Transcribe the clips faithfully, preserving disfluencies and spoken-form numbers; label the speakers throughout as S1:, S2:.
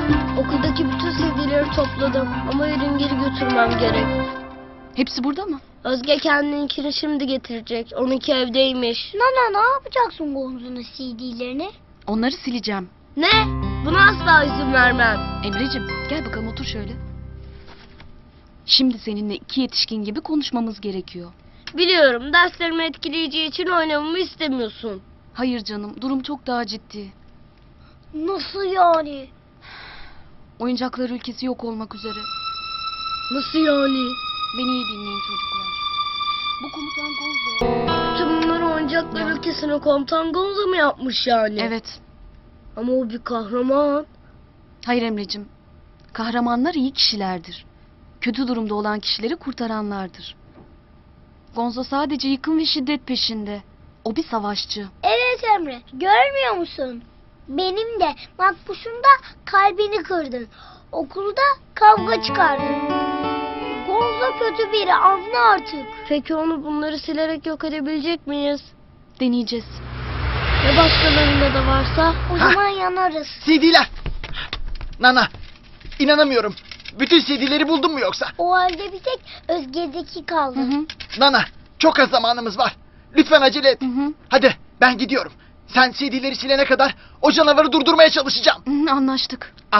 S1: Okuldaki bütün C D'leri topladım ama yarın geri götürmem gerek.
S2: Hepsi burada mı?
S1: Özge kendininkini şimdi getirecek. Onunki evdeymiş.
S3: Nana ne yapacaksın Gonzo'nun C D'lerini?
S2: Onları sileceğim.
S1: Ne? Buna asla izin vermem.
S2: Emre'cim gel bakalım otur şöyle. Şimdi seninle iki yetişkin gibi konuşmamız gerekiyor.
S1: Biliyorum, derslerimi etkileyeceği için oynamamı istemiyorsun.
S2: Hayır canım, durum çok daha ciddi.
S3: Nasıl yani?
S2: Oyuncaklar ülkesi yok olmak üzere.
S1: Nasıl yani?
S2: Beni iyi dinleyin çocuklar. Bu komutan Gonzo.
S1: Bütün bunları oyuncaklar
S2: Ya.
S1: ülkesine komutan Gonzo mu yapmış yani?
S2: Evet.
S1: Ama o bir kahraman.
S2: Hayır Emre'cim. Kahramanlar iyi kişilerdir. Kötü durumda olan kişileri kurtaranlardır. Gonzo sadece yıkım ve şiddet peşinde. O bir savaşçı.
S3: Evet Emre, görmüyor musun? Benim de Makbuş'un da kalbini kırdın. Okulda kavga çıkardın. Gonzo kötü biri, anla artık.
S1: Peki onu bunları silerek yok edebilecek miyiz?
S2: Deneyeceğiz.
S1: Ya başkalarında da varsa?
S3: O
S4: Ha.
S3: zaman yanarız.
S4: C D'ler. Nana, inanamıyorum. Bütün C D'leri buldun mu yoksa?
S3: O halde bir tek Özge'deki kaldı.
S2: Hı hı.
S4: Nana, çok az zamanımız var. Lütfen acele et.
S2: Hı hı.
S4: Hadi, ben gidiyorum. Sen C D'leri silene kadar o canavarı durdurmaya çalışacağım.
S2: Hı hı, anlaştık.
S4: Al.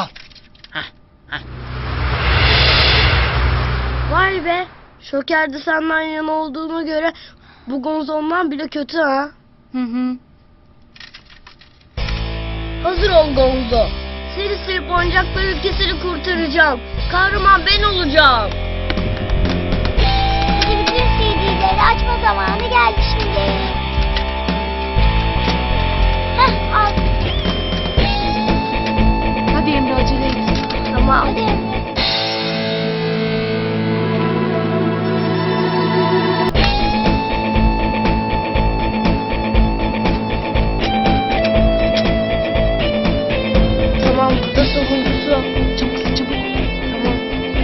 S1: Vay be. Şoker'de senden yana olduğuna göre bu Gonzo ondan bile kötü ha.
S2: Hı hı.
S1: Hazır ol Gonzo. Seni silip oyuncaklar ülkesini kurtaracağım. Kahraman ben olacağım.
S3: Hadi bütün C D'leri açma zamanı geldi şimdi. Heh, al.
S2: Hadi Emre acele et.
S1: Tamam.
S3: Hadi Emre.
S1: Tamam, bu da sonuncusu.
S2: Çabuk çabuk.
S1: Tamam.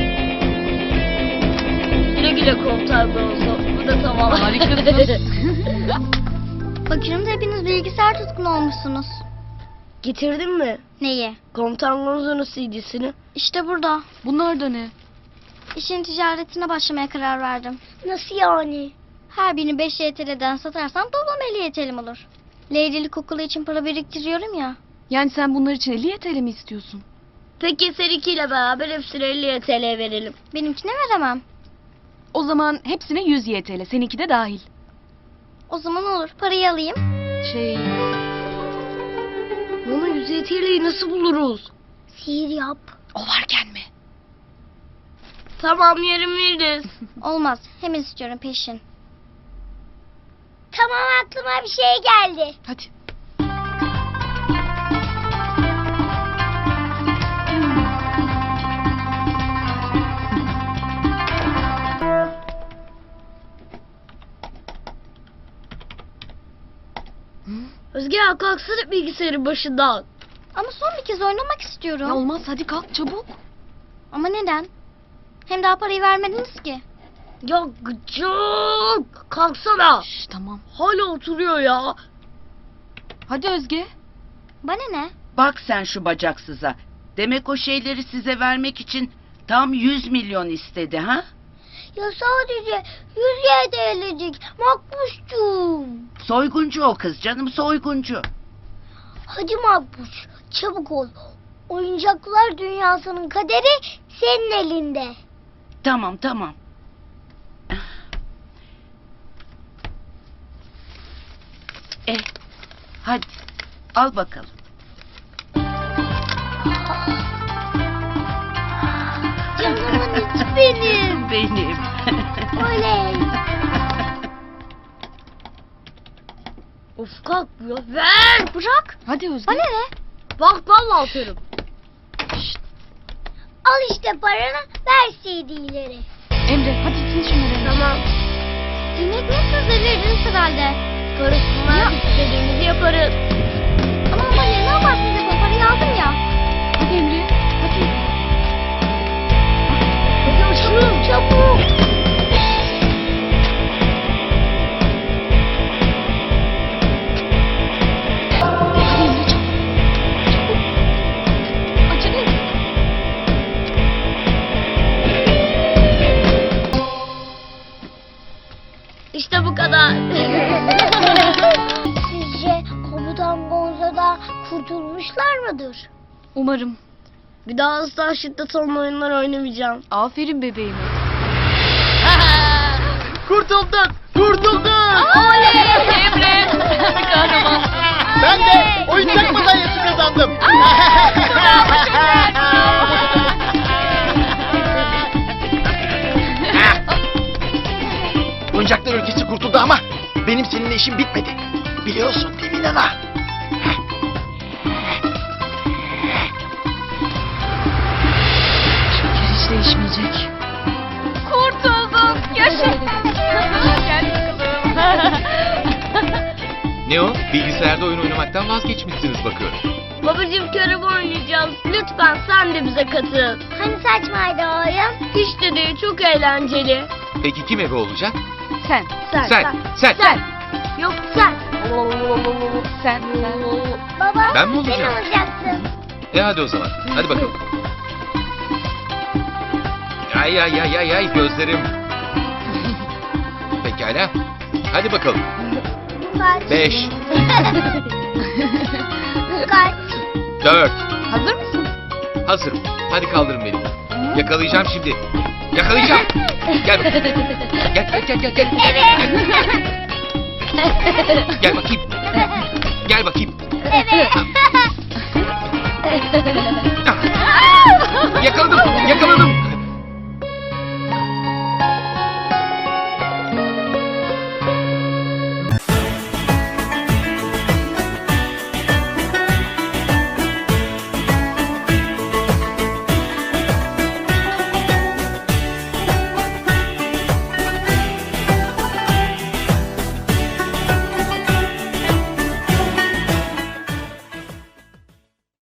S1: Güle güle komutan Gonzo. Bu da tamam.
S2: Harikasın.
S3: Bakıyorum da hepiniz bilgisayar tutkunu olmuşsunuz.
S1: Getirdin mi?
S3: Neyi?
S1: Komutan Gonzo'nun C D'sini.
S3: İşte burada.
S2: Bunlar da ne?
S3: İşin ticaretine başlamaya karar verdim. Nasıl yani? Her birini beş Y T L'den satarsam toplam elli Y T L'm olur. Leylilik okulu için para biriktiriyorum ya.
S2: Yani sen bunlar için elli Y T L mi istiyorsun?
S1: Peki seninkiyle beraber hepsine elli T L verelim.
S3: Benimkine veremem.
S2: O zaman hepsine yüz Y T L. Seninki de dahil.
S3: O zaman olur. Parayı alayım.
S2: Şey...
S1: Bunu yüz T L'yi nasıl buluruz?
S3: Sihir yap.
S2: O varken mi?
S1: Tamam, yarın veririz.
S3: Olmaz. Hemen istiyorum peşin. Tamam, aklıma bir şey geldi.
S2: Hadi.
S1: Özge ya, kalksana bilgisayarın başından.
S3: Ama son bir kez oynamak istiyorum.
S2: Ya olmaz hadi kalk çabuk.
S3: Ama neden? Hem daha parayı vermediniz ki.
S1: Ya gıcık. Kalksana.
S2: Şş, tamam.
S1: Hala oturuyor ya.
S2: Hadi Özge.
S3: Bana ne?
S5: Bak sen şu bacaksıza. Demek o şeyleri size vermek için tam yüz milyon istedi ha?
S3: Ya sadece yüz Y T L'cik. Makbuşcuğum.
S5: Soyguncu o kız canım, soyguncu.
S3: Hadi Makbuş, çabuk ol. Oyuncaklar dünyasının kaderi senin elinde.
S5: Tamam tamam. Eh, hadi al bakalım.
S3: Canımın içi benim.
S5: Benim.
S3: Oley.
S1: Of, kalkmıyor. Ver.
S3: Bırak.
S2: Hadi Özge.
S3: Bana ne?
S1: Bak vallahi atarım.
S3: Al işte paranı, ver C D'leri.
S2: Emre hadi sil şunları.
S1: Tamam.
S3: Yemek mi siz de verdiniz herhalde?
S1: Karışsınlar,
S3: Ya.
S1: istediğimizi yaparız.
S3: Ama ama ne yaparsınız yapın, parayı aldım ya.
S2: Hadi Emre. Hadi.
S1: Hadi açalım.
S3: Çabuk.
S2: Hadi Emre çabuk. Çabuk. Acele et.
S3: kurtulmuşlar mıdır?
S2: Umarım.
S1: Bir daha asla şiddet olan oyunlar oynamayacağım.
S2: Aferin bebeğime.
S4: Kurtuldun! Kurtuldun!
S2: Emre! Kahraman.
S4: Ben de oyuncak madalyası kazandım. Oyuncaklar ülkesi kurtuldu ama benim seninle işim bitmedi. Biliyorsun değil mi Nana?
S2: Şeker hiç değişmeyecek. Kurtulduk. Yaşa. Gel bakalım.
S6: Ne o? Bilgisayarda oyun oynamaktan vazgeçmişsiniz bakıyorum.
S1: Babacığım körebe oynayacağız. Lütfen sen de bize katıl.
S3: Hani saçmaydı o oyun?
S1: Hiç de değil, çok eğlenceli.
S6: Peki kim ebe olacak?
S2: Sen.
S1: Sen,
S6: Sen, sen.
S1: sen. Yok sen.
S2: Sen. Sen.
S3: Baba
S6: Ben mi
S3: sen
S6: olacağım?
S3: olacaksın.
S6: E hadi o zaman. Hadi bakalım. Ay ay ay ay ay gözlerim. Pekala. Hadi bakalım.
S3: Kaç?
S6: Beş,
S3: Kaç?
S6: dört.
S2: Hazır mısın?
S6: Hazırım. Hadi kaldırın beni. Yakalayacağım şimdi. Yakalayacağım. Gel bakayım. Gel gel gel gel. Gel, gel bakayım. Gel bakayım. Ah, yakaladım. Yakaladım.